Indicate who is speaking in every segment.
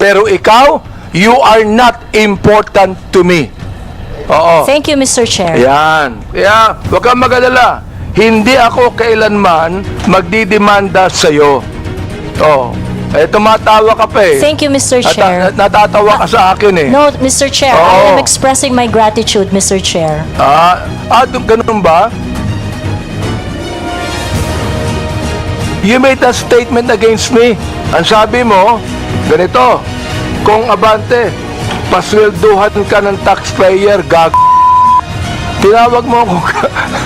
Speaker 1: Pero ikaw, you are not important to me. Oo.
Speaker 2: Thank you, Mr. Chair.
Speaker 1: Ayan. Kaya, huwag kang mag-alala. Hindi ako kailanman magdidemanda sa'yo. Oh. Eh, tumatawa ka pa eh.
Speaker 2: Thank you, Mr. Chair.
Speaker 1: Natatawa ka sa akin eh.
Speaker 2: No, Mr. Chair,
Speaker 1: Oo.
Speaker 2: I am expressing my gratitude, Mr. Chair.
Speaker 1: Ganun ba? You made a statement against me. Ang sabi mo, ganito, kung abante, paswelduhan ka ng taxpayer, tinawag mo akong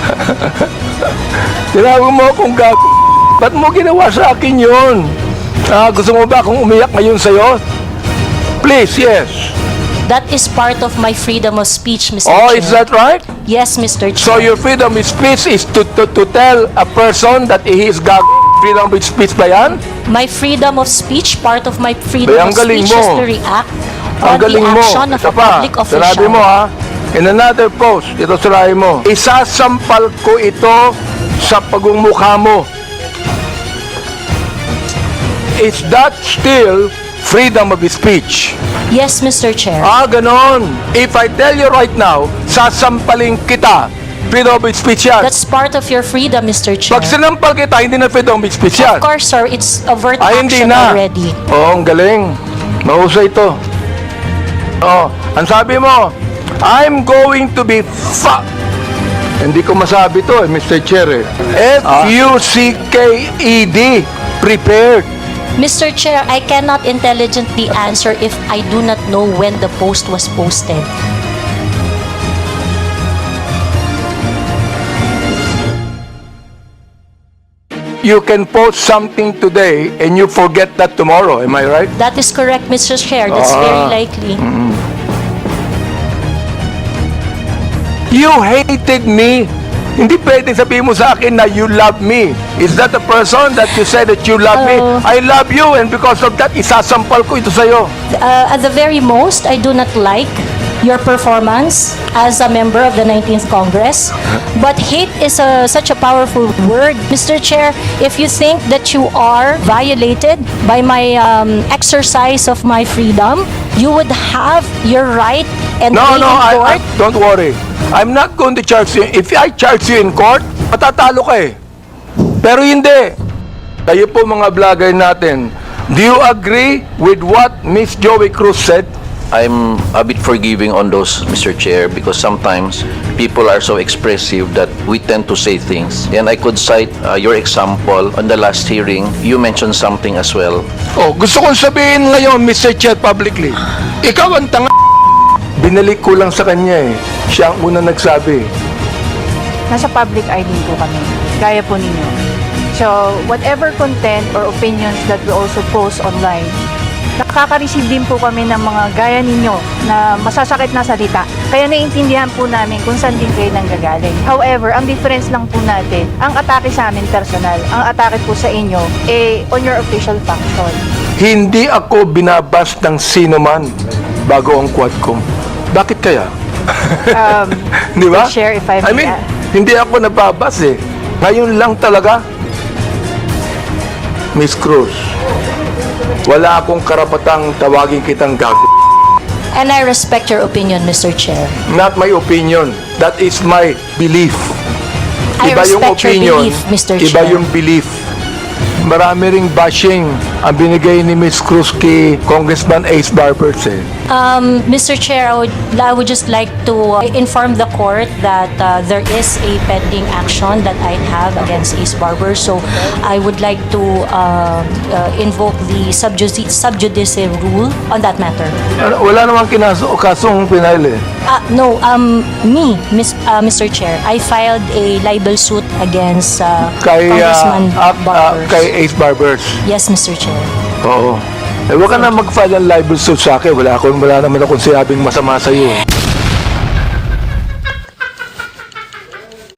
Speaker 1: tinawag mo akong ba't mo ginawa sa akin yun? Gusto mo ba akong umiyak ngayon sa'yo? Please, yes.
Speaker 2: That is part of my freedom of speech, Mr.
Speaker 1: Oh,
Speaker 2: Chair.
Speaker 1: is that right?
Speaker 2: Yes, Mr. Chair.
Speaker 1: So your freedom of speech is to tell a person that he is freedom of speech ba yan?
Speaker 2: My freedom of speech, part of my freedom
Speaker 1: Bay, ang
Speaker 2: of
Speaker 1: galing
Speaker 2: speech is
Speaker 1: mo.
Speaker 2: to react
Speaker 1: Ang
Speaker 2: on the
Speaker 1: galing mo.
Speaker 2: action of
Speaker 1: Ito
Speaker 2: a public official.
Speaker 1: Sinabi mo in another post, ito sinabi mo, isasampal ko ito sa pagmumukha mo. Is that still freedom of speech?
Speaker 2: Yes, Mr. Chair.
Speaker 1: Ganon. If I tell you right now, sasampalin kita. Freedom of speech yan.
Speaker 2: That's part of your freedom, Mr. Chair.
Speaker 1: Pag sinampal kita, hindi na freedom of speech yan.
Speaker 2: Of course, sir, it's overt
Speaker 1: Hindi
Speaker 2: action
Speaker 1: na.
Speaker 2: already.
Speaker 1: Oo, ang galing. Mahusay ito. Ang sabi mo, I'm going to be Hindi ko masabi to Mr. Chair. F-U-C-K-E-D. Prepared.
Speaker 2: Mr. Chair, I cannot intelligently answer if I do not know when the post was posted.
Speaker 1: You can post something today and you forget that tomorrow. Am I right?
Speaker 2: That is correct, Mr. Chair. That's very likely.
Speaker 1: You hated me. Hindi pwede sabihin mo sa akin na you love me. Is that the person that you said that you love me? I love you and because of that, isasampal ko ito sa'yo.
Speaker 2: At the very most, I do not like your performance as a member of the 19th Congress. But hate is such a powerful word. Mr. Chair, if you think that you are violated by my exercise of my freedom, you would have your right and
Speaker 1: No,
Speaker 2: be
Speaker 1: no,
Speaker 2: in court.
Speaker 1: don't worry. I'm not going to charge you. If I charge you in court, matatalo ka eh. Pero hindi. Kayo po mga vlogger natin, do you agree with what Miss Joey Cruz said?
Speaker 3: I'm a bit forgiving on those, Mr. Chair, because sometimes people are so expressive that we tend to say things. And I could cite your example on the last hearing. You mentioned something as well.
Speaker 1: Gusto kong sabihin ngayon, Mr. Chair, publicly. Ikaw ang tanga. Binalik ko lang sa kanya eh. Siya ang unang nagsabi.
Speaker 4: Nasa public eye din po kami, gaya po ninyo. So, whatever content or opinions that we also post online, nakaka-receive din po kami ng mga gaya ninyo na masasakit na salita. Kaya naiintindihan po namin kung saan din kayo nanggagaling. However, ang difference lang po natin, ang atake sa amin personal, ang atake po sa inyo, on your official function.
Speaker 1: Hindi ako binabas ng sino man bago ang Quadcom. Bakit kaya? Di ba?
Speaker 4: Share if I may add.
Speaker 1: Hindi ako nababas eh. Ngayon lang talaga. Miss Cruz, wala akong karapatang tawagin kitang gago.
Speaker 2: And I respect your opinion, Mr. Chair.
Speaker 1: Not my opinion. That is my belief.
Speaker 2: I respect your belief, Mr.
Speaker 1: Iba
Speaker 2: Chair.
Speaker 1: yung belief. Marami ring bashing ang binigay ni Miss Cruz kay Congressman Ace Barbers eh.
Speaker 2: Mr. Chair, I would just like to inform the court that there is a pending action that I have against Ace Barber. So I would like to invoke the sub judice rule on that matter.
Speaker 1: Wala namang kasong pinail eh.
Speaker 2: No, Mr. Chair, I filed a libel suit against Congressman Barbers.
Speaker 1: Kay Ace Barbers.
Speaker 2: Yes, Mr. Chair.
Speaker 1: Oo. Huwag ka na mag-file ng libel suit sa akin. Wala naman akong sinabing masama sa iyo.